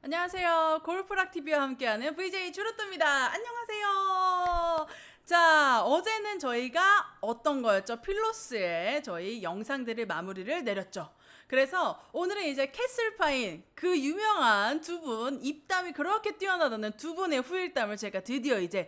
안녕하세요. 골프락TV와 함께하는 VJ 주루뚜입니다. 안녕하세요. 자, 어제는 저희가 어떤 거였죠? 필로스에 저희 영상들을 마무리를 내렸죠. 그래서 오늘은 이제 캐슬파인 그 유명한 두 분, 입담이 그렇게 뛰어나다는 두 분의 후일담을 제가 드디어 이제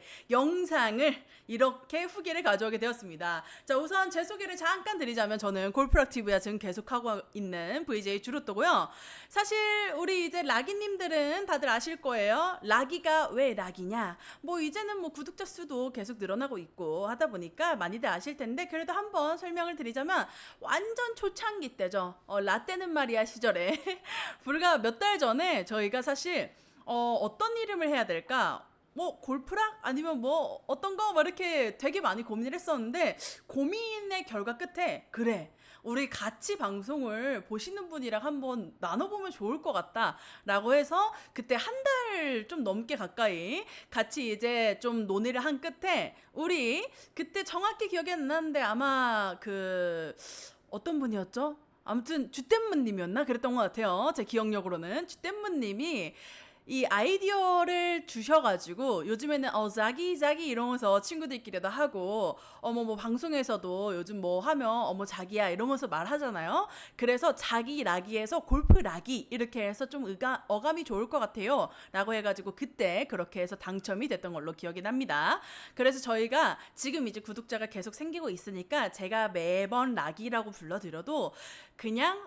영상을 이렇게 후기를 가져오게 되었습니다. 자, 우선 제 소개를 잠깐 드리자면 저는 골프락TV와 지금 계속하고 있는 VJ 주루뚜고요. 사실 우리 이제 라기님들은 다들 아실 거예요. 라기가 왜 라기냐? 뭐 이제는 뭐 구독자 수도 계속 늘어나고 있고 하다 보니까 많이들 아실 텐데 그래도 한번 설명을 드리자면 완전 초창기 때죠. 라떼는 말이야 시절에 불과 몇 달 전에 저희가 사실 어떤 이름을 해야 될까? 뭐 골프락 아니면 뭐 어떤 거 막 이렇게 되게 많이 고민을 했었는데 고민의 결과 끝에 그래 우리 같이 방송을 보시는 분이랑 한번 나눠보면 좋을 것 같다 라고 해서 그때 한 달 좀 넘게 가까이 같이 이제 좀 논의를 한 끝에 우리 그때 정확히 기억이 안 나는데 아마 그 어떤 분이었죠? 아무튼 주댐무님이었나? 그랬던 것 같아요. 제 기억력으로는 주댐무님이 이 아이디어를 주셔가지고 요즘에는 자기 이러면서 친구들끼리도 하고 뭐 방송에서도 요즘 뭐 하면 자기야 이러면서 말하잖아요. 그래서 자기 라기에서 골프 라기 이렇게 해서 좀 어감이 좋을 것 같아요 라고 해가지고 그때 그렇게 해서 당첨이 됐던 걸로 기억이 납니다. 그래서 저희가 지금 이제 구독자가 계속 생기고 있으니까 제가 매번 라기라고 불러드려도 그냥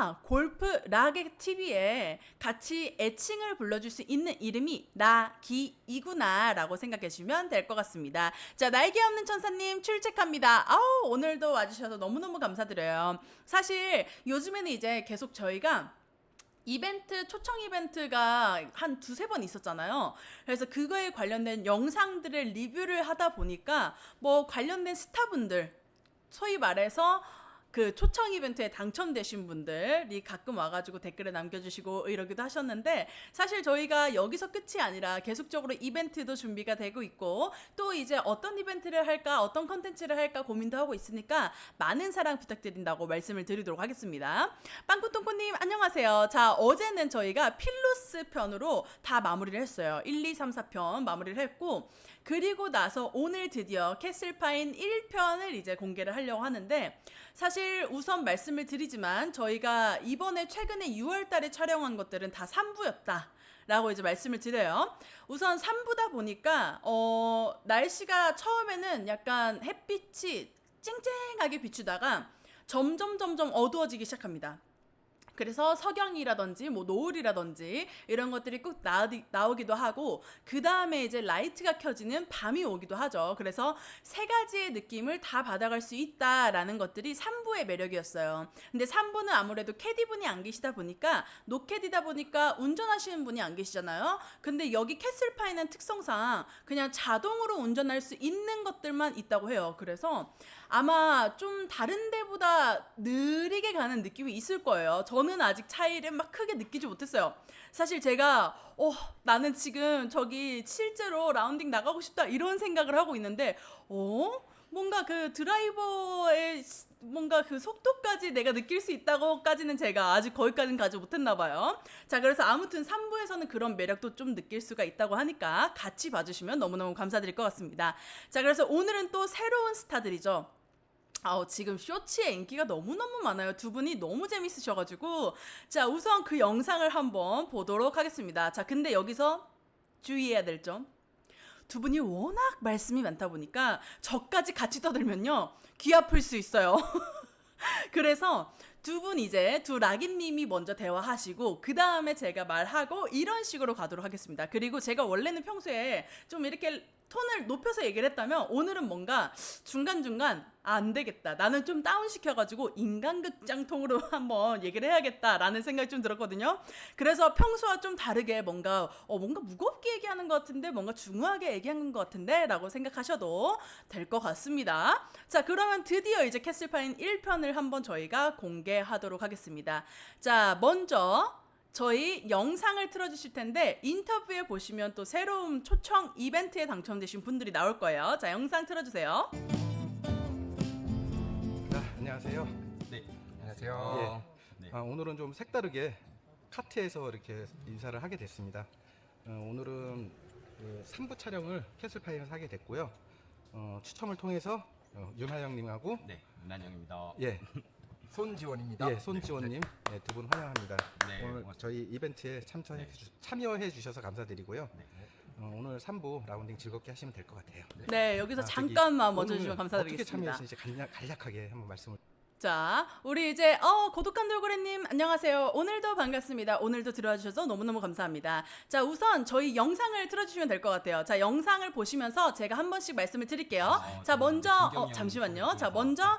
골프 라기 TV에 같이 애칭을 불러줄 수 있는 이름이 라기이구나 라고 생각해 주시면 될 것 같습니다. 자, 날개 없는 천사님 출첵합니다. 오늘도 와주셔서 너무너무 감사드려요. 사실 요즘에는 이제 계속 저희가 이벤트, 초청 이벤트가 한 두세 번 있었잖아요. 그래서 그거에 관련된 영상들을 리뷰를 하다 보니까 뭐 관련된 스타분들 소위 말해서 그 초청 이벤트에 당첨되신 분들이 가끔 와가지고 댓글을 남겨주시고 이러기도 하셨는데 사실 저희가 여기서 끝이 아니라 계속적으로 이벤트도 준비가 되고 있고 또 이제 어떤 이벤트를 할까 어떤 컨텐츠를 할까 고민도 하고 있으니까 많은 사랑 부탁드린다고 말씀을 드리도록 하겠습니다. 빵꾸똥꾸님 안녕하세요. 자, 어제는 저희가 필로스 편으로 다 마무리를 했어요. 1, 2, 3, 4편 마무리를 했고 그리고 나서 오늘 드디어 캐슬파인 1편을 이제 공개를 하려고 하는데 사실 우선 말씀을 드리지만 저희가 이번에 최근에 6월 달에 촬영한 것들은 다 3부였다. 라고 이제 말씀을 드려요. 우선 3부다 보니까 날씨가 처음에는 약간 햇빛이 쨍쨍하게 비추다가 점점 어두워지기 시작합니다. 그래서 석영이라든지 뭐 노을이라든지 이런 것들이 꼭 나오기도 하고 그 다음에 이제 라이트가 켜지는 밤이 오기도 하죠. 그래서 세 가지의 느낌을 다 받아갈 수 있다라는 것들이 3부의 매력이었어요. 근데 3부는 아무래도 캐디분이 안 계시다 보니까 노캐디다 보니까 운전하시는 분이 안 계시잖아요. 근데 여기 캐슬파이는 특성상 그냥 자동으로 운전할 수 있는 것들만 있다고 해요. 그래서 아마 좀 다른 데보다 느리게 가는 느낌이 있을 거예요. 저는 아직 차이를 막 크게 느끼지 못했어요. 사실 제가 나는 지금 저기 실제로 라운딩 나가고 싶다 이런 생각을 하고 있는데 뭔가 그 드라이버의 뭔가 그 속도까지 내가 느낄 수 있다고까지는 제가 아직 거기까지는 가지 못했나 봐요. 자, 그래서 아무튼 3부에서는 그런 매력도 좀 느낄 수가 있다고 하니까 같이 봐주시면 너무너무 감사드릴 것 같습니다. 자, 그래서 오늘은 또 새로운 스타들이죠. 지금 쇼츠의 인기가 너무너무 많아요. 두 분이 너무 재밌으셔가지고 자, 우선 그 영상을 한번 보도록 하겠습니다. 자, 근데 여기서 주의해야 될 점, 두 분이 워낙 말씀이 많다 보니까 저까지 같이 떠들면요 귀 아플 수 있어요. 그래서 두 분 이제 두 라기님이 먼저 대화하시고 그 다음에 제가 말하고 이런 식으로 가도록 하겠습니다. 그리고 제가 원래는 평소에 좀 이렇게 톤을 높여서 얘기를 했다면 오늘은 뭔가 중간중간 안 되겠다. 나는 좀 다운시켜가지고 인간극장통으로 한번 얘기를 해야겠다라는 생각이 좀 들었거든요. 그래서 평소와 좀 다르게 뭔가 무겁게 얘기하는 것 같은데 뭔가 중후하게 얘기하는 것 같은데 라고 생각하셔도 될 것 같습니다. 자, 그러면 드디어 이제 캐슬파인 1편을 한번 저희가 공개하도록 하겠습니다. 자, 먼저 저희 영상을 틀어주실 텐데 인터뷰에 보시면 또 새로운 초청 이벤트에 당첨되신 분들이 나올 거예요. 자, 영상 틀어주세요. 안녕하세요. 네, 안녕하세요. 오늘은 좀 색다르게 카트에서 이렇게 인사를 하게 됐습니다. 오늘은 그 3부 촬영을 캐슬파이에서 하게 됐고요. 추첨을 통해서 윤하영님하고 네, 윤한영입니다. 예, 손지원입니다. 예, 손지원님 두 분 환영합니다. 네, 오늘 저희 이벤트에 참여해 주셔서 감사드리고요. 네. 오늘 3부 라운딩 즐겁게 하시면 될 것 같아요. 네, 여기서 저기 잠깐만 오늘 멈춰주시면 감사드리겠습니다. 어떻게 참여했는지 간략하게 한번 말씀을. 자, 우리 이제 고독한 돌고래님 안녕하세요. 오늘도 반갑습니다. 오늘도 들어와 주셔서 너무너무 감사합니다. 자, 우선 저희 영상을 틀어주시면 될 것 같아요. 자, 영상을 보시면서 제가 한 번씩 말씀을 드릴게요. 자, 먼저 잠시만요. 자, 먼저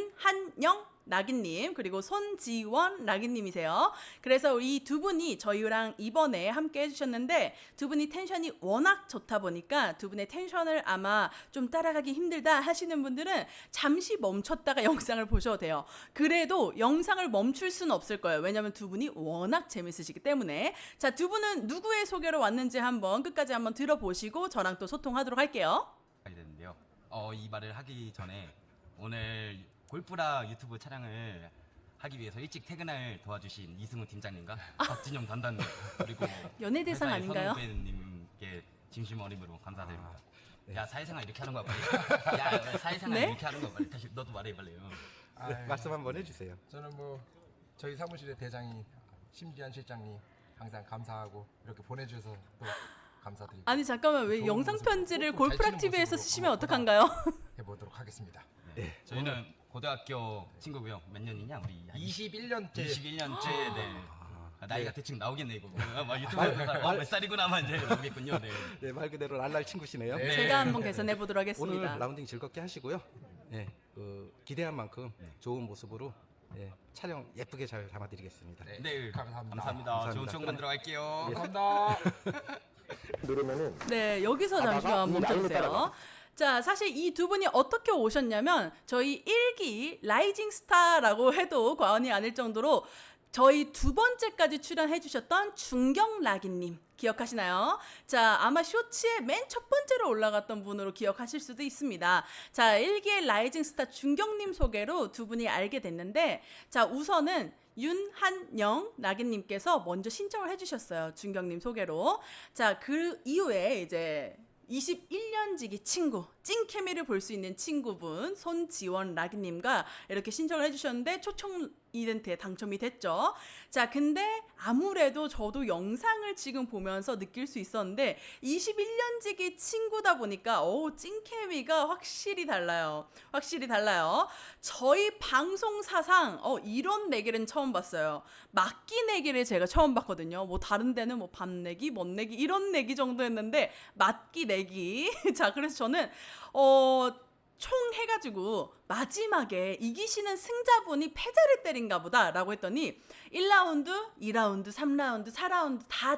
윤한영 나기님 그리고 손지원 나기님이세요. 그래서 이 두 분이 저희랑 이번에 함께 해주셨는데 두 분이 텐션이 워낙 좋다 보니까 두 분의 텐션을 아마 좀 따라가기 힘들다 하시는 분들은 잠시 멈췄다가 영상을 보셔도 돼요. 그래도 영상을 멈출 수는 없을 거예요. 왜냐하면 두 분이 워낙 재밌으시기 때문에. 자, 두 분은 누구의 소개로 왔는지 한번 끝까지 한번 들어보시고 저랑 또 소통하도록 할게요. 하게 됐는데요. 이 말을 하기 전에 오늘 골프라 유튜브 촬영을 하기 위해서 일찍 퇴근을 도와주신 이승우 팀장님과 박진영 단단님 그리고 연예대상 회사의 아닌가요? 선후배님께 진심 어림으로 감사드립니다. 네. 야, 사회생활 이렇게 하는 거야 빨리. 야, 사회생활 네? 이렇게 하는 거야 빨리. 다시 너도 말해 빨리. 말씀 한번 해주세요. 저는 뭐 저희 사무실의 대장인 심지한 실장님 항상 감사하고 이렇게 보내주셔서 또 감사드립니다. 아니 잠깐만 왜 좋은 영상 모습으로, 편지를 골프 잘 골프락 치는 TV에서 모습으로 쓰시면 한번 어떡한가요? 해보도록 하겠습니다. 네. 저희는 고등학교 친구고요. 몇 년이냐 우리? 21년째 21년째. 네. 나이가 대충 나오겠네 이거. 막 유튜브에서 몇 살이구나만 이제 나오겠군요. 네. 네, 말 그대로 랄랄 친구시네요. 네. 제가 한번 개선해 보도록 오늘 하겠습니다. 라운딩 즐겁게 하시고요. 네, 기대한 만큼 좋은 모습으로 촬영 예쁘게 잘 담아드리겠습니다. 네. 네. 감사합니다. 감사합니다. 좋은 추억 만들어 갈게요. 감사합니다. 누르면은 네, 여기서 잠시만 이 라인을 멈춰주세요. 따라가. 자, 사실 이 두 분이 어떻게 오셨냐면 저희 1기 라이징 스타라고 해도 과언이 아닐 정도로 저희 두 번째까지 출연해 주셨던 중경락이님 기억하시나요? 자, 아마 쇼츠에 맨 첫 번째로 올라갔던 분으로 기억하실 수도 있습니다. 자, 1기의 라이징 스타 중경님 소개로 두 분이 알게 됐는데, 자, 우선은 윤한영 나기님께서 먼저 신청을 해주셨어요. 중경님 소개로. 자, 그 이후에 이제 21년지기 친구, 찐 케미를 볼 수 있는 친구분 손지원 라기님과 이렇게 신청을 해주셨는데 초청 이벤트에 당첨이 됐죠. 자, 근데 아무래도 저도 영상을 지금 보면서 느낄 수 있었는데 21년지기 친구다 보니까 찐 케미가 확실히 달라요. 확실히 달라요. 저희 방송 사상 이런 내기는 처음 봤어요. 맞기 내기를 제가 처음 봤거든요. 뭐 다른 데는 뭐 밤 내기, 먼 내기 이런 내기 정도였는데 맞기 내기. 자, 그래서 저는 총 해가지고 마지막에 이기시는 승자분이 패자를 때린가 보다 라고 했더니 1라운드, 2라운드, 3라운드, 4라운드 다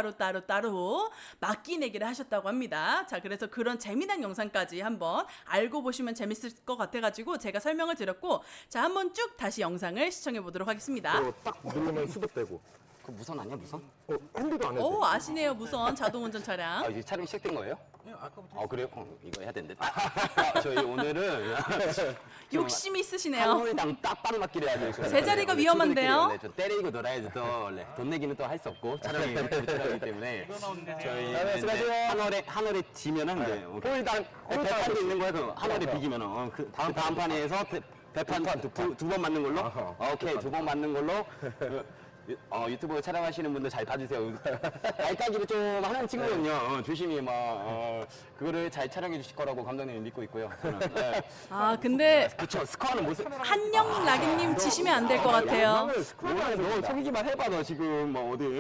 따로 맞기 내기를 하셨다고 합니다. 자, 그래서 그런 재미난 영상까지 한번 알고 보시면 재밌을 것 같아가지고 제가 설명을 드렸고, 자, 한번 쭉 다시 영상을 시청해 보도록 하겠습니다. 이거 딱 누르면 수급되고. 그 무선 아니야 무선? 핸들도 안 해도 오, 돼. 아시네요. 무선 자동운전 차량. 이제 촬영 시작된 거예요? 네, 아까부터 그래요? 이거 해야 되는데. 저희 오늘은 욕심이 있으시네요. 한 홀당 딱 맞기를 해야 돼요. 제자리가 위험한데요? 좀 때리고 놀아야지 또. 돈 내기는 또 할 수 없고 촬영이 촬영이기 때문에 저희 한 홀에 지면은 홀당 배판도 있는 거야. 한 홀에 비기면은 그 다음 판에서 배판 두 번 맞는 걸로. 오케이, 두 번 맞는 걸로. 유튜브 촬영하시는 분들 잘 봐주세요. 알까기를 좀 하는 친구거든요. 조심히 그거를 잘 촬영해 주실 거라고 감독님이 믿고 있고요. 저는. 네. 아, 근데 그쵸, 스코어는 모습. 한영 라기님 지시면 안 될 것 같아요. 너 속이기만 해봐, 너 지금 어디.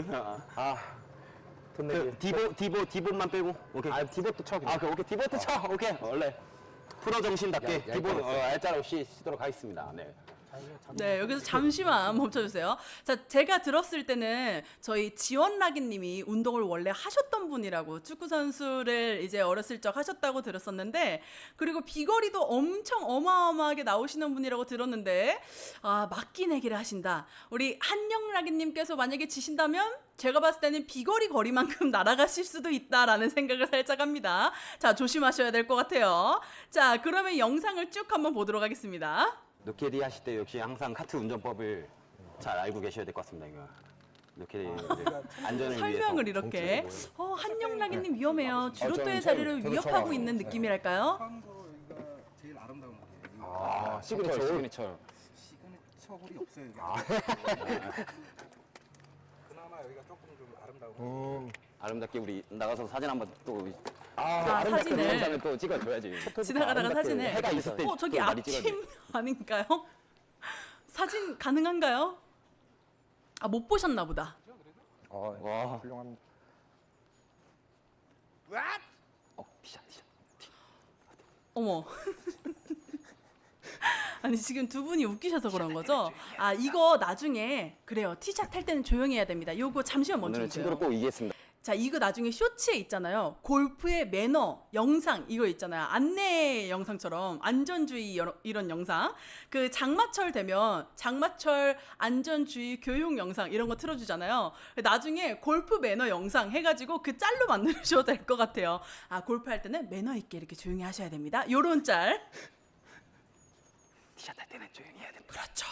돈 내기. 디봇만 빼고. 오케이. 디봇도 쳐. 오케이, 디봇 쳐. 오케이. 원래 프로 정신답게 야, 디봇 이거 알짤 없이 쓰도록 하겠습니다. 네. 네, 여기서 잠시만 멈춰주세요. 자, 제가 들었을 때는 저희 지원라기님이 운동을 원래 하셨던 분이라고, 축구 선수를 이제 어렸을 적 하셨다고 들었었는데, 그리고 비거리도 엄청 어마어마하게 나오시는 분이라고 들었는데, 맞기 내기를 하신다. 우리 한영라기님께서 만약에 지신다면 제가 봤을 때는 비거리 거리만큼 날아가실 수도 있다라는 생각을 살짝 합니다. 자, 조심하셔야 될 것 같아요. 자, 그러면 영상을 쭉 한번 보도록 하겠습니다. 노캐리 하실 때 역시 항상 카트 운전법을 잘 알고 계셔야 될 것 같습니다. 이거. 이렇게 이제 안전을 설명을 위해서 이렇게. 한영락이님 위험해요. 주로또의 저는 자리를 저도 위협하고 처음 있는 알아요. 느낌이랄까요? 참고로 여기가 제일 아름다운 홀이에요. 아, 시그니처. 시그니처 홀이 없어요. 여기. 그나마 여기가 조금 좀 아름다운 홀. 아름답게 우리 나가서 사진 한번 또 사진을 그 영상을 또 찍어줘야지. 지나가다가 사진을. 해가 있을 때 저기 또 많이 찍어야지. 아침 아닌가요? 사진 가능한가요? 아, 못 보셨나 보다. 와. 훌륭합니다. 티샷. 어머. 아니 지금 두 분이 웃기셔서 그런 거죠? 아, 이거 나중에 그래요. 티샷 할 때는 조용히 해야 됩니다. 요거 잠시만 오늘은 멈춰주세요. 친구로 꼭 이기겠습니다. 자, 이거 나중에 쇼츠에 있잖아요. 골프의 매너 영상 이거 있잖아요. 안내 영상처럼 안전주의 이런 영상. 그 장마철 되면 장마철 안전주의 교육 영상 이런 거 틀어주잖아요. 나중에 골프 매너 영상 해가지고 그 짤로 만드셔도 될 것 같아요. 아, 골프 할 때는 매너 있게 이렇게 조용히 하셔야 됩니다. 요런 짤. 티샷 할 때는 조용히 해야 됩니다. 그렇죠.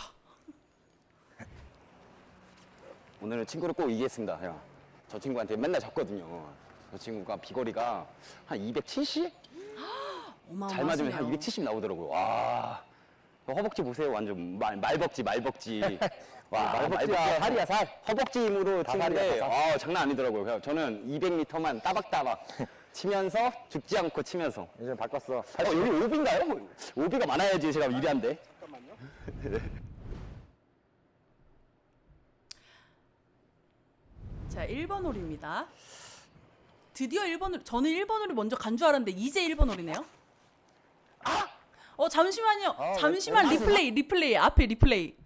오늘은 친구로 꼭 이기겠습니다. 형. 저 친구한테 맨날 졌거든요. 저 친구가 비거리가 한 270? 잘 맞으면 한 270 나오더라고요. 와, 허벅지 보세요. 완전 말벅지. 와, 말벅지가 살이야 살. 허벅지 힘으로 치는데 장난 아니더라고요. 그냥 저는 200m만 따박따박 치면서 죽지 않고 치면서. 이제 바꿨어. 여기 오비인가요? 오비가 많아야지 제가 유리한데. 자, 1번 홀입니다. 드디어 1번 홀. 저는 1번 홀이 먼저 간 줄 알았는데 이제 1번 홀이네요. 잠시만요. 잠시만. 리플레이. 앞에 리플레이.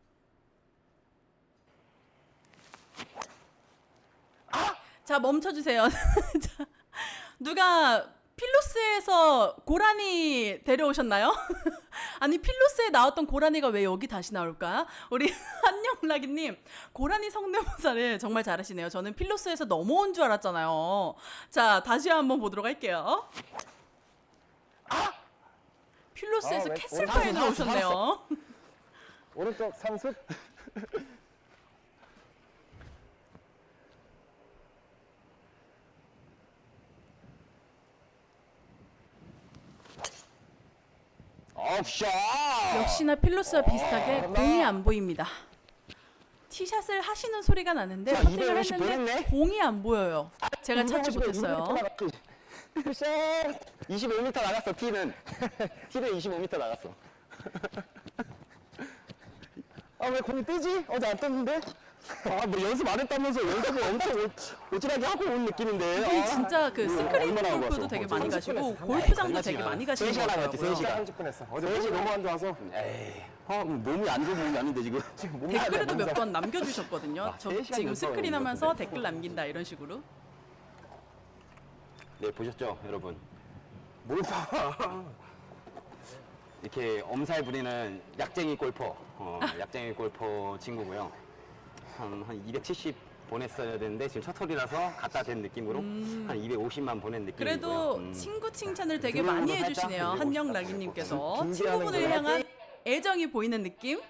자, 멈춰주세요. 자, 누가 필로스에서 고라니 데려오셨나요? 아니, 필로스에 나왔던 고라니가 왜 여기 다시 나올까? 우리 한영락이님, 고라니 성대모사를 정말 잘하시네요. 저는 필로스에서 넘어온 줄 알았잖아요. 자, 다시 한번 보도록 할게요. 필로스에서 캐슬파에 나오셨네요. 오른쪽 상습. 샷! 역시나 필로스와 비슷하게 공이 안 보입니다. 티샷을 하시는 소리가 나는데 자, 퍼팅을 250 했는데 보냈네? 공이 안 보여요. 제가 찾지 못했어요. 25m 나갔어, 티는 25m 나갔어. 왜 공이 뜨지? 어제 안 떴는데? 뭐 연습 안 했다면서 연습을 엄청 오질하게 하고 온 느낌인데. 이분이 진짜 그 스크린 얼마나 골프도 갔어? 되게 거의 많이 30분 가시고 했어. 골프장도 되게 많이 가시는 것 3시간 나갔지, 같아요. 3시간. 30분 했어. 어제 몸이 너무 안 좋아서. 에이, 몸이 안 좋은 몸이 아닌데 지금. 댓글에도 몇 번 남겨주셨거든요. 저 3시간 지금 연습하고 스크린 있는 하면서 건데. 댓글 남긴다 이런 식으로. 네, 보셨죠, 여러분? 뭘 봐. 이렇게 엄살 부리는 약쟁이 골퍼, 약쟁이 골퍼 친구고요. 한 270 보냈어야 되는데 지금 첫 홀이라서 갖다 댄 느낌으로 한 250만 보낸 느낌이고요. 그래도 친구 칭찬을 되게 드로잉으로 많이 살짝 해주시네요. 그리고 한영락이님께서 준비하는 친구분을 거야. 향한 애정이 보이는 느낌.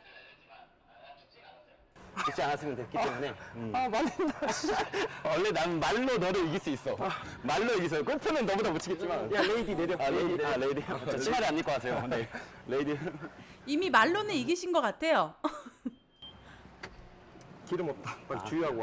죽지 않았으면 됐기 때문에. 말린다. 원래 난 말로 너를 이길 수 있어. 말로 이길 수 있어. 골프는 너보다 못 치겠지만. 야, 레이디 내려. 레이디. 저 치마를 안 입고 왔어요. 네. 레이디. 이미 말로는 이기신 것 같아요. 기름 없다. 빨리 주의하고 와.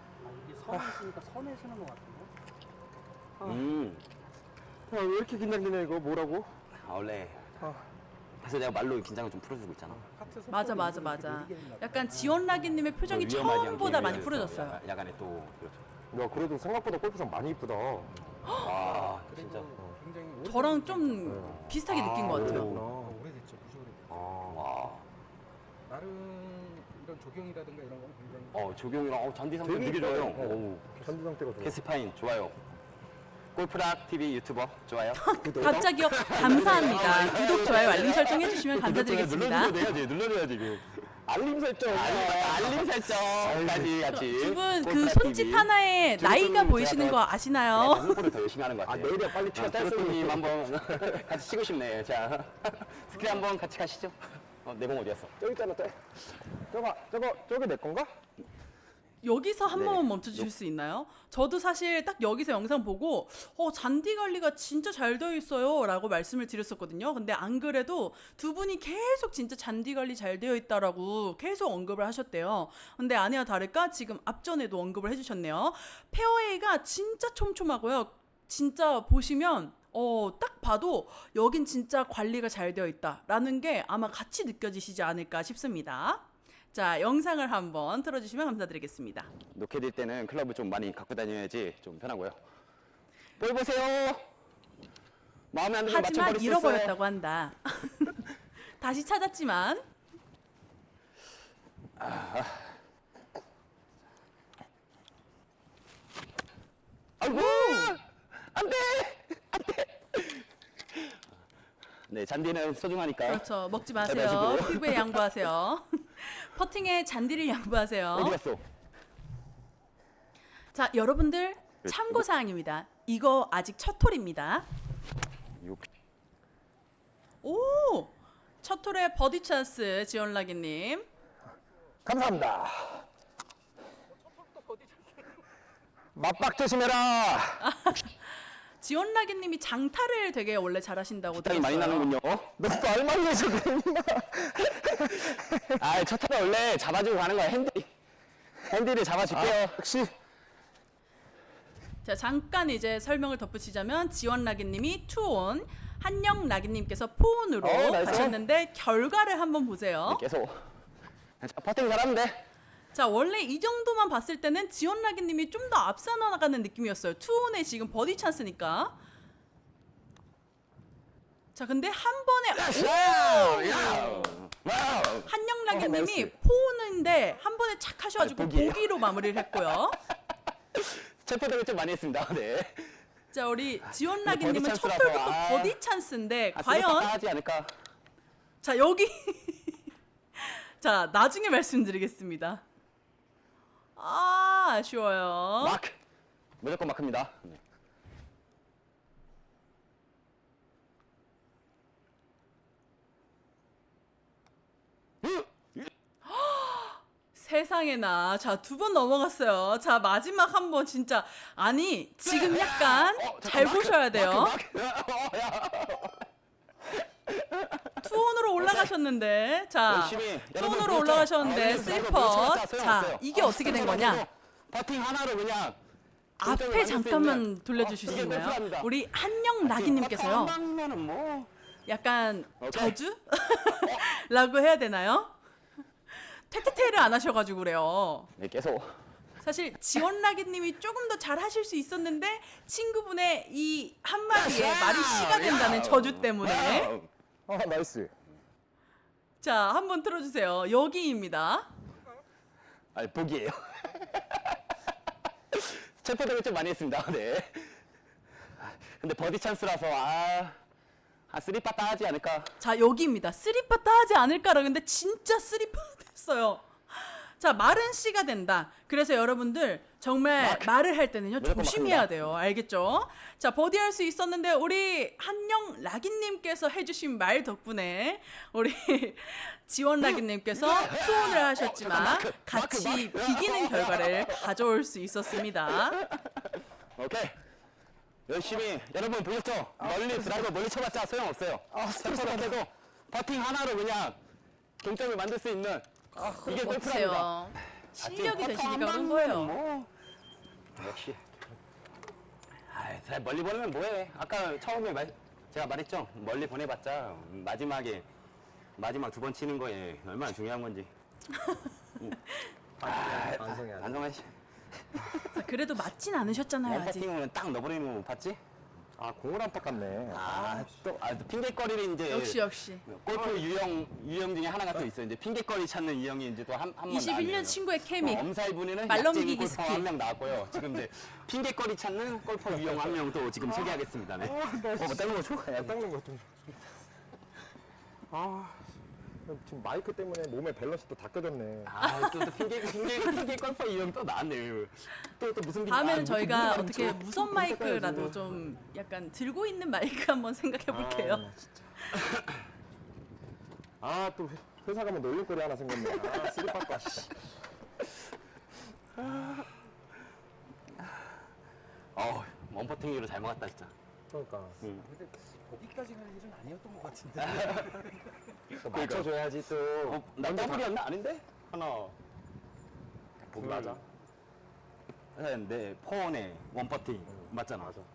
왜 이렇게 긴장되냐 이거 뭐라고? 원래. 그래서 내가 말로 긴장을 좀 풀어주고 있잖아. 맞아. 약간 지원라기님의 표정이 위험하지 처음보다 않게 많이 위해서 풀어졌어요. 야간에 또 그렇죠. 야 그래도 생각보다 골프장 많이 이쁘다. 와, 진짜. 굉장히 오래 저랑 좀 비슷하게 느낀 것 같아요. 오래됐죠. 무지 오래됐죠. 와. 나름 이런 조경이라든가 이런 건 굉장히 조경이랑 잔디 상태 되게 되게 좋아요. 이뻐요. 오. 잔디 상태가 좋아. 캐스파인 좋아요. 골프락 TV 유튜버 좋아요. 갑자기요. 감사합니다. 구독, 좋아요, 알림 설정 해주시면 감사드리겠습니다. 눌러줘야지 이거. 알림 설정까지 같이. 두 분 그 골프락 손짓 TV. 하나에 나이가 제가 보이시는 거 아시나요? 홍보를 더 열심히 하는 것 같아요. 내일이야 빨리 튀어 트로트님 한번 같이 치고 싶네. 자, 스크린 한번 같이 가시죠. 내 공 어디였어? 저기 있잖아 저기 내 건가? 여기서 한 네. 번만 멈춰주실 수 있나요? 저도 사실 딱 여기서 영상 보고 잔디 관리가 진짜 잘 되어 있어요 라고 말씀을 드렸었거든요. 근데 안 그래도 두 분이 계속 진짜 잔디 관리 잘 되어 있다라고 계속 언급을 하셨대요. 근데 아니나 다를까 지금 앞전에도 언급을 해주셨네요. 페어웨이가 진짜 촘촘하고요. 진짜 보시면 딱 봐도 여긴 진짜 관리가 잘 되어 있다라는 게 아마 같이 느껴지시지 않을까 싶습니다. 자, 영상을 한번 틀어주시면 감사드리겠습니다. 놓게 될 때는 클럽을 좀 많이 갖고 다녀야지 좀 편하고요. 볼 보세요. 마음에 안 들면 하지만 맞춰버릴 수 있어요. 잃어버렸다고 한다. 다시 찾았지만 아이고! 안 돼! 안 돼! 네, 잔디는 소중하니까. 그렇죠. 먹지 잘 마세요. 마시고요. 피부에 양보하세요. 퍼팅에 잔디를 양보하세요. 어디 갔어? 자, 여러분들 참고 사항입니다. 이거 아직 첫 홀입니다. 요- 오! 첫 홀에 버디 찬스 지원라기님. 감사합니다. 맞박 조심해라. 지원라기님이 장타를 되게 원래 잘하신다고 땀이 많이 들었어요. 나는군요. 너또 알만해서 그랬나? 아, 첫 타가 원래 잡아주고 가는 거야. 핸디를 잡아줄게요. 역시 자, 잠깐 이제 설명을 덧붙이자면 지원라기님이 투온, 한영라기님께서 포온으로 나이스. 가셨는데 결과를 한번 보세요. 계속. 자, 퍼팅 잘하면 돼. 자, 원래 이 정도만 봤을 때는 지원라기님이 좀 더 앞서 나가는 느낌이었어요. 투온에 지금 버디 찬스니까. 자, 근데 한 번에 와우! 한영라기님이 나이스. 포온인데 한 번에 착 하셔가지고 아, 보기예요. 보기로 마무리를 했고요. 체포덕을 좀 많이 했습니다. 네. 자, 우리 지원라기님은 버디 첫 찬스라서, 홀부터 아. 버디 찬스인데 아, 과연 하지 않을까? 자, 여기 자, 나중에 말씀드리겠습니다. 아, 아쉬워요. 마크! 무조건 마크입니다. 네. 세상에나. 자, 두 번 넘어갔어요. 자, 마지막 한 번 진짜. 아니, 지금 약간 잘 보셔야 돼요. 투온으로 올라가셨는데. 자, 열심히 투온으로 올라가셨는데 슬퍼. 자, 이게 어떻게 된 거냐? 버팅 하나로 그냥 동점을 앞에 만들 수 잠깐만 있는. 돌려주실 수 이게 있나요? 골프랍니다. 우리 한영 라기님께서요. 한 방면은 뭐 약간 오케이. 저주? 라고 해야 되나요? 퇴퇴퇴를 안 하셔가지고 그래요. 네, 계속 사실 지원라기님이 조금 더 잘 하실 수 있었는데 친구분의 이 한마디에 말이 씨가 된다는 저주 때문에. 나이스. 자, 한번 틀어주세요. 여기입니다. 아니 보기예요. 체포덕을 좀 많이 했습니다. 네. 근데 버디 찬스라서 한 3파 따하지 않을까. 자, 여기입니다. 쓰리파타 하지 않을까라. 근데 진짜 쓰리파타 됐어요. 자, 말은 씨가 된다. 그래서 여러분들 정말 말을 할 때는요 무조건 조심해야 마크입니다. 돼요. 알겠죠? 자, 버디할 수 있었는데 우리 한영 라기님께서 해주신 말 덕분에 우리 지원 라기님께서 투혼을 하셨지만 같이 비기는 결과를 가져올 수 있었습니다. 오케이. 열심히 여러분 보셨죠? 멀리 드라이버 멀리 쳐봤자 소용없어요. 체포덕해도 버팅 하나로 그냥 동점을 만들 수 있는 이게 골프랍니다. 보세요. 실력이 되시니까 그런 거예요. 뭐. 역시. 잘 멀리 보내면 뭐해? 아까 처음에 제가 말했죠. 멀리 보내봤자 마지막 두 번 치는 거에 얼마나 중요한 건지. 반성해야 돼. 안정환 씨. 자, 그래도 맞진 않으셨잖아요 아직. 원퍼팅은 딱 넣어버리는 거 못 봤지? 공을 안 닦았네. 또 핑계거리를 이제 역시. 골프 유형 중에 하나가 또 있어요. 이제 핑계거리 찾는 유형이 이제 또 한번 21년 친구의 케미. 엄살 부리는 말 약쟁이 넘기기 골퍼 스킬. 한 명 나왔고요. 지금 이제 핑계거리 찾는 골퍼 유형 한 명 또 지금 소개하겠습니다. 네. 닦는 거 좋아. 닦는 거 좀. 지금 마이크 때문에 몸의 밸런스도 다 깨졌네. 또 핑계 골퍼 유형 또 나왔네요. 또 무슨 다음에는 무슨 저희가 무슨 어떻게 말인지 무선 마이크라도 좀 약간 들고 있는 마이크 한번 생각해 볼게요. 또 회사 가면 놀림거리 하나 생겼네. 쓰리빠빠. 원퍼팅으로 잘 막았다 진짜. 그러니까. 근데 거기까지 갈 일은 아니었던 것 같은데. 또 맞춰줘야지 또. 나 더블이었나? 아닌데? 하나. 보기 맞아. 네, 포원에 원퍼팅 맞잖아. 맞아.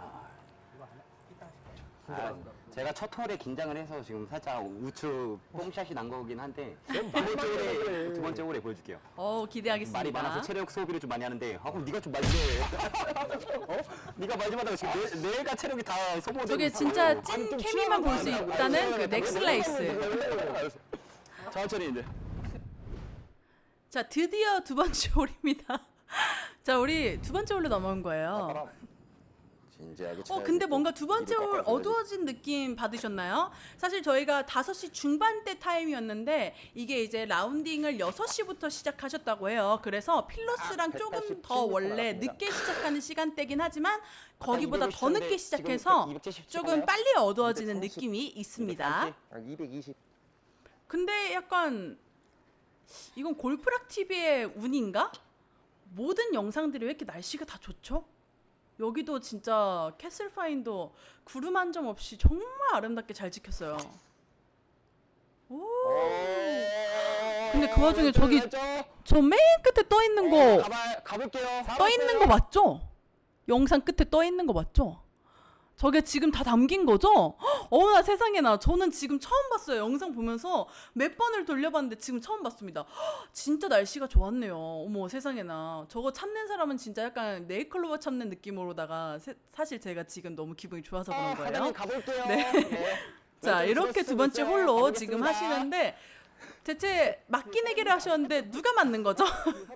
제가 첫 홀에 긴장을 해서 지금 살짝 우측 뽕샷이 난 거긴 한데 두 번째 홀에 보여줄게요. 기대하겠습니다. 말이 많아서 체력 소비를 좀 많이 하는데 그럼 네가 좀 말좀 해. 네가 말 좀 하다가 지금 내가 체력이 다 소모되고 저게 있어. 진짜 찐 케미만 볼 수 있다는 그 넥슬라이스. 천천히 이제. 자, 드디어 두 번째 홀입니다. 자, 우리 두 번째 홀로 넘어온 거예요. 진지하게 근데 뭔가 두 번째 홀 어두워진 느낌 받으셨나요? 사실 저희가 5시 중반대 타임이었는데 이게 이제 라운딩을 6시부터 시작하셨다고 해요. 그래서 필로스랑 조금 더 원래 늦게 시작하는 시간대긴 하지만 거기보다 더 늦게 시작해서 조금 빨리 어두워지는 느낌이 있습니다. 220. 근데 약간 이건 골프락 TV의 운인가? 모든 영상들이 왜 이렇게 날씨가 다 좋죠? 여기도 진짜 캐슬파인도 구름 한 점 없이 정말 아름답게 잘 찍혔어요. 오. 근데 그 와중에 저기 저 맨 끝에 떠 있는 거 가볼게요. 떠 있는 거 맞죠? 영상 끝에 떠 있는 거 맞죠? 저게 지금 다 담긴 거죠? 어머나 세상에나 저는 지금 처음 봤어요. 영상 보면서 몇 번을 돌려봤는데 지금 처음 봤습니다. 진짜 날씨가 좋았네요. 어머 세상에나 저거 참는 사람은 진짜 약간 네일클로버 참는 느낌으로다가 사실 제가 지금 너무 기분이 좋아서 그런 거예요. 가볼게요. 네. 자 이렇게 두 번째 홀로 지금 하시는데 대체 맞기내기를 하셨는데 누가 맞는 거죠?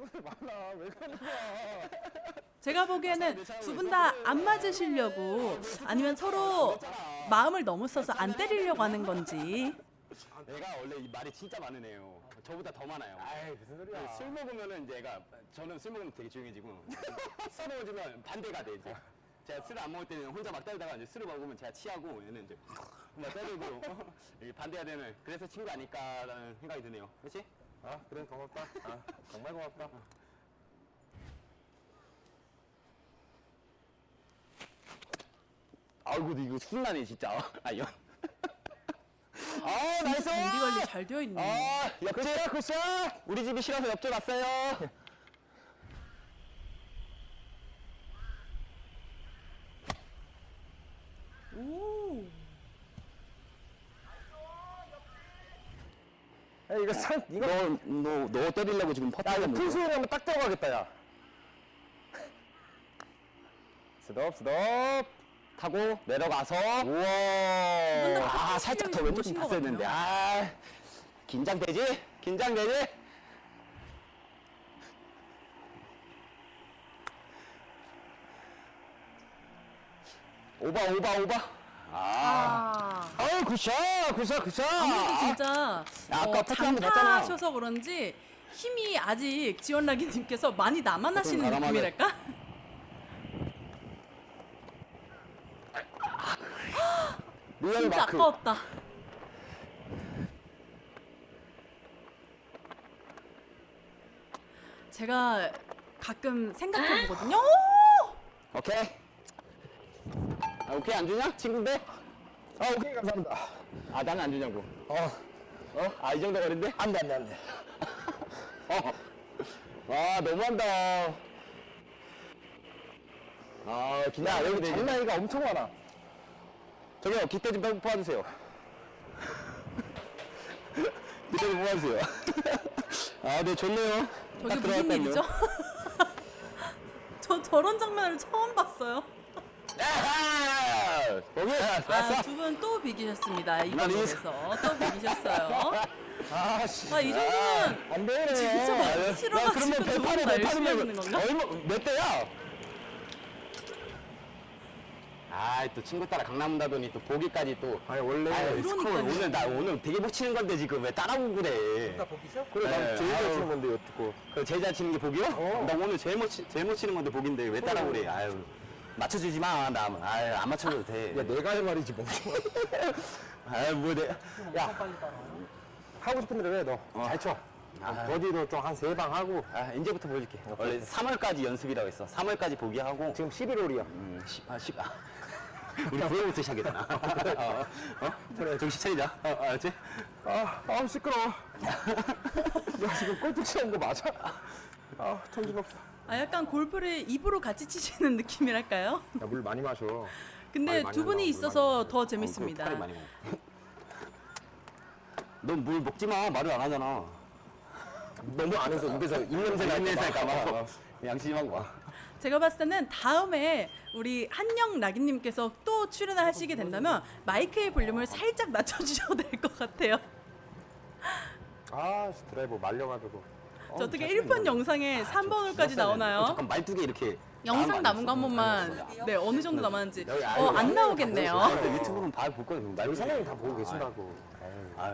제가 보기에는 두 분 다 안 맞으시려고 아니면 서로 마음을 너무 써서 안 때리려고 하는 건지. 내가 원래 이 말이 진짜 많은 애요. 저보다 더 많아요. 아이 무슨 소리야. 술 먹으면은 이제 저는 술 먹으면 되게 조용해지고 술 먹으면 반대가 돼 이제. 제가 술을 안 먹을 때는 혼자 막 때리다가 이제 술을 먹으면 제가 취하고 얘는 이제 막 때리고 이게 반대가 되는 그래서 친구 아닐까라는 생각이 드네요. 그렇지? 아 그래 고맙다. 아 정말 고맙다. 아이고 이거 순나네 진짜. 아연. 진짜 잔디 관리 잘 되어 있네. 옆집 굿샷. 우리 집이 싫어서 옆집 왔어요. 오. 야, 이거 상 이거 너 때리려고 지금 퍼트하는 큰 소리 하면 딱 들어가겠다 야. 스톱 스톱. 타고 내려가서 우와. 아 살짝 더 왼쪽 좀 좋으신 것 봤어야 했는데 아 긴장되지? 긴장되지? 오바 아유 굿샷. 아무래도 진짜 아까 퍼트 한번 봤잖아. 장타하셔서 그런지 힘이 아직 지원라기님께서 많이 남아나시는 가람하네. 느낌이랄까? 진짜 아까웠다. 제가 가끔 생각해보거든요. 오! 오케이. 오케이 안 주냐? 친구인데? 아 오케이 감사합니다. 아 나는 안 주냐고. 아 이 정도 거리인데? 안돼. 와 너무한다. 아 야 여기 장난이가 엄청 많아. 저기요 기대 좀 뽑아주세요. 기대 좀 뽑아주세요. 아 네 좋네요. 저게 딱 무슨 들어갔다니요. 일이죠? 저 저런 장면을 처음 봤어요. 야하! 거기 왔어. 두 분 또 비기셨습니다. 이번 난 이- 에서 또 비기셨어요. 아씨. 이 정도면 안 되네. 진짜 많이 야 싫어가지고 그러면 두 분 배판에 다 열심히 하시는 배판이면 건가? 얼마 몇 대야? 아또 친구 따라 강남 온다더니 또 보기까지 또. 아니 원래 아유, 스코어 그러니까요. 오늘 되게 못 치는 건데 지금 왜 따라오고 그래? 나 보기죠? 그래 난 네, 제일 잘 아유. 치는 건데 여쭙고. 그 제일 잘 치는 게 보기요? 어. 나 오늘 제일 못 치는 건데 보기인데 왜 따라오고 그래? 아유 맞춰주지 마. 나 아유 안 맞춰줘도 돼. 야 내가 할 말이지 뭐. 아유 뭐 내. 야 하고 싶은 대로 해 너. 잘 쳐. 버디도 좀 한 3방 하고. 이제부터 보여줄게. 원래 3월까지 연습이라고 했어. 3월까지 보기하고. 지금 11홀이야. 10. 우리 9월부터 시작이잖아. 그래, 정신 차리자. 알았지? 시끄러워. 야, 지금 골프 치는 거 맞아? 정신없어. 약간 골프를 입으로 같이 치시는 느낌이랄까요? 야, 물 많이 마셔. 근데 많이 두 분이 한다고, 있어서 물 많이 더 털이 재밌습니다. 많이 먹어. 넌 물 먹지 마. 말을 안 하잖아. 너무 안 해서 입에서 입냄새 냄새가 막. 양심 하고 와. 제가 봤을 때는 다음에 우리 한영 라기님께서 또 출연을 하시게 된다면 마이크의 볼륨을 살짝 낮춰주셔도 될 것 같아요. 드라이버 말려가지고. 저 어떻게 1편 영상에 3번 홀까지 나오나요? 잠깐 말뚝에 이렇게. 영상 남은 거 한 번만 네 어느 정도 남았는지 안 나오겠네요. 근데 유튜브는 볼 거야. 우리 사장님 다 보고 계신다고. 아유.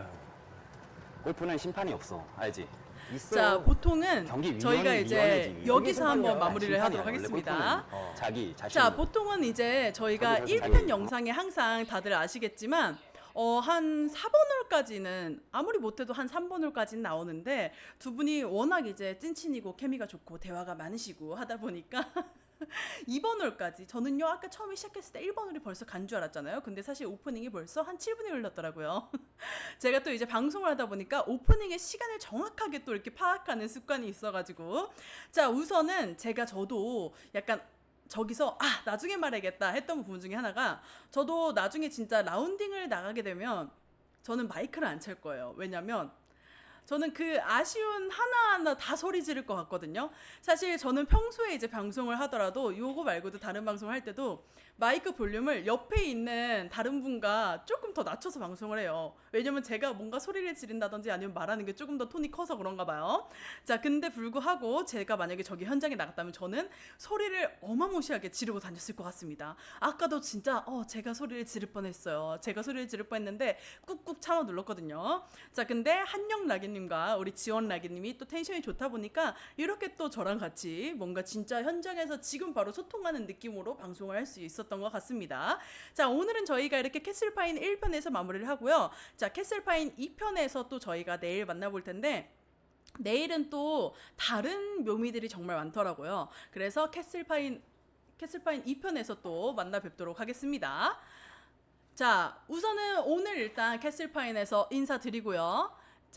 골프는 심판이 없어. 알지? 자 보통은 경기 저희가 위원회지, 이제 위원회지. 여기서 한번 심판이야. 마무리를 심판이야. 하도록 원래 하겠습니다. 골프는 자기 자신. 자 보통은 이제 저희가 자기 1편 영상에 항상 다들 아시겠지만 한 4번 홀까지는 아무리 못해도 한 3번 홀까지는 나오는데 두 분이 워낙 이제 찐친이고 케미가 좋고 대화가 많으시고 하다 보니까 2번 홀까지 저는요 아까 처음에 시작했을 때 1번 홀이 벌써 간 줄 알았잖아요. 근데 사실 오프닝이 벌써 한 7분이 흘렀더라고요. 제가 또 이제 방송을 하다 보니까 오프닝의 시간을 정확하게 또 이렇게 파악하는 습관이 있어가지고 자 우선은 저도 약간 저기서 나중에 말해야겠다 했던 부분 중에 하나가 저도 나중에 진짜 라운딩을 나가게 되면 저는 마이크를 안 찰 거예요. 왜냐면 저는 그 아쉬운 하나하나 다 소리 지를 것 같거든요. 사실 저는 평소에 이제 방송을 하더라도 요거 말고도 다른 방송을 할 때도 마이크 볼륨을 옆에 있는 다른 분과 조금 더 낮춰서 방송을 해요. 왜냐면 제가 뭔가 소리를 지른다든지 아니면 말하는 게 조금 더 톤이 커서 그런가 봐요. 자, 근데 불구하고 제가 만약에 저기 현장에 나갔다면 저는 소리를 어마무시하게 지르고 다녔을 것 같습니다. 아까도 진짜 제가 소리를 지를 뻔했어요. 제가 소리를 지를 뻔했는데 꾹꾹 참아 눌렀거든요. 자, 근데 한영 라기님과 우리 지원 라기님이 또 텐션이 좋다 보니까 이렇게 또 저랑 같이 뭔가 진짜 현장에서 지금 바로 소통하는 느낌으로 방송을 할 수 있었던 것 같습니다. 자, 오늘은 저희가 이렇게 캐슬파인 1편에서 마무리를 하고요. 자, 캐슬파인 2편에서 또 저희가 내일 만나볼 텐데 내일은 또 다른 묘미들이 정말 많더라고요. 그래서 캐슬파인 2편에서 또 만나 뵙도록 하겠습니다. 자, 우선은 오늘 일단 캐슬파인에서 인사드리고요.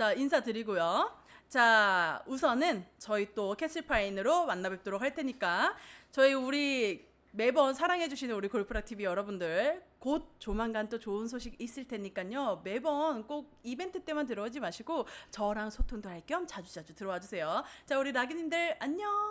자, 우선은 저희 또 캐슬파인으로 만나 뵙도록 할 테니까 우리 매번 사랑해주시는 우리 골프락 TV 여러분들 곧 조만간 또 좋은 소식 있을 테니까요. 매번 꼭 이벤트 때만 들어오지 마시고 저랑 소통도 할 겸 자주자주 들어와 주세요. 자, 우리 라기님들 안녕.